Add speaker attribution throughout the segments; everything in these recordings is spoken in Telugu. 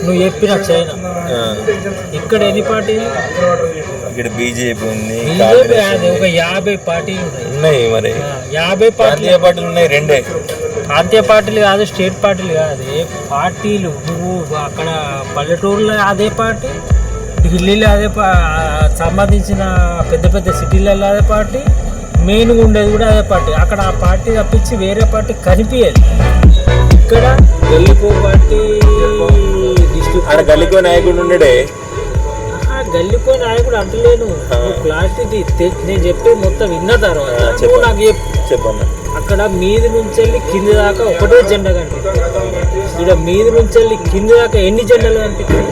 Speaker 1: నువ్వు చెప్పిన చైనా ఇక్కడ ఎన్ని పార్టీలు?
Speaker 2: ఇక్కడ బీజేపీ ఉంది,
Speaker 1: బీజేపీ అది ఒక 50 పార్టీలు
Speaker 2: ఉన్నాయి. మరి
Speaker 1: 50
Speaker 2: పార్టీలు ఉన్నాయి, రెండే
Speaker 1: ప్రాంతీయ పార్టీలు కాదు, స్టేట్ పార్టీలు కాదు, ఏ పార్టీలు. నువ్వు అక్కడ పల్లెటూరులో అదే పార్టీ, ఢిల్లీలో అదే సంబంధించిన పెద్ద పెద్ద సిటీలలో అదే పార్టీ, మెయిన్గా ఉండేది కూడా అదే పార్టీ. అక్కడ ఆ పార్టీ తప్పించి వేరే పార్టీ కనిపించేది. ఇక్కడ గల్లికో పార్టీ, డిస్ట్రిక్ట్
Speaker 2: గల్లికో నాయకుడు ఉండడే.
Speaker 1: గల్లికో నాయకుడు అంటలేను, క్లారిటీ నేను చెప్పేది మొత్తం విన్న తర్వాత నాకు
Speaker 2: చెప్పన్నా.
Speaker 1: అక్కడ మీది నుంచి వెళ్ళి కింది దాకా ఒకటే జెండా కనిపిస్తుంది. ఇక్కడ మీది నుంచి వెళ్ళి కింది దాకా ఎన్ని జెండాలు కనిపిస్తాయి?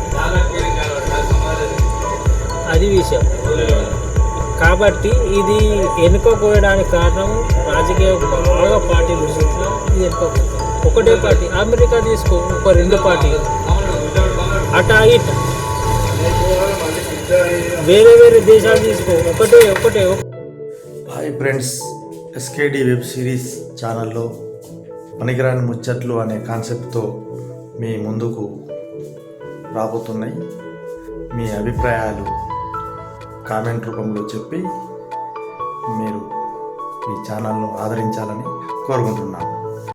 Speaker 1: అది విషయం. కాబట్టి ఇది వెనుకపోయడానికి కారణం రాజకీయ బాగా పార్టీలు ఇది వెనుకపోతుంది. ఒకటే పార్టీ. అమెరికా తీసుకో, ఒక 2 పార్టీలు, అటా ఇట. వేరే వేరే దేశాలు తీసుకో, ఒకటే.
Speaker 3: Hi friends, SKD web series ఛానల్లో పనికిరాని ముచ్చట్లు అనే కాన్సెప్ట్తో మీ ముందుకు రాబోతున్నాయి. మీ అభిప్రాయాలు కామెంట్ రూపంలో చెప్పి మీరు ఈ ఛానల్ను ఆదరించాలని కోరుకుంటున్నాను.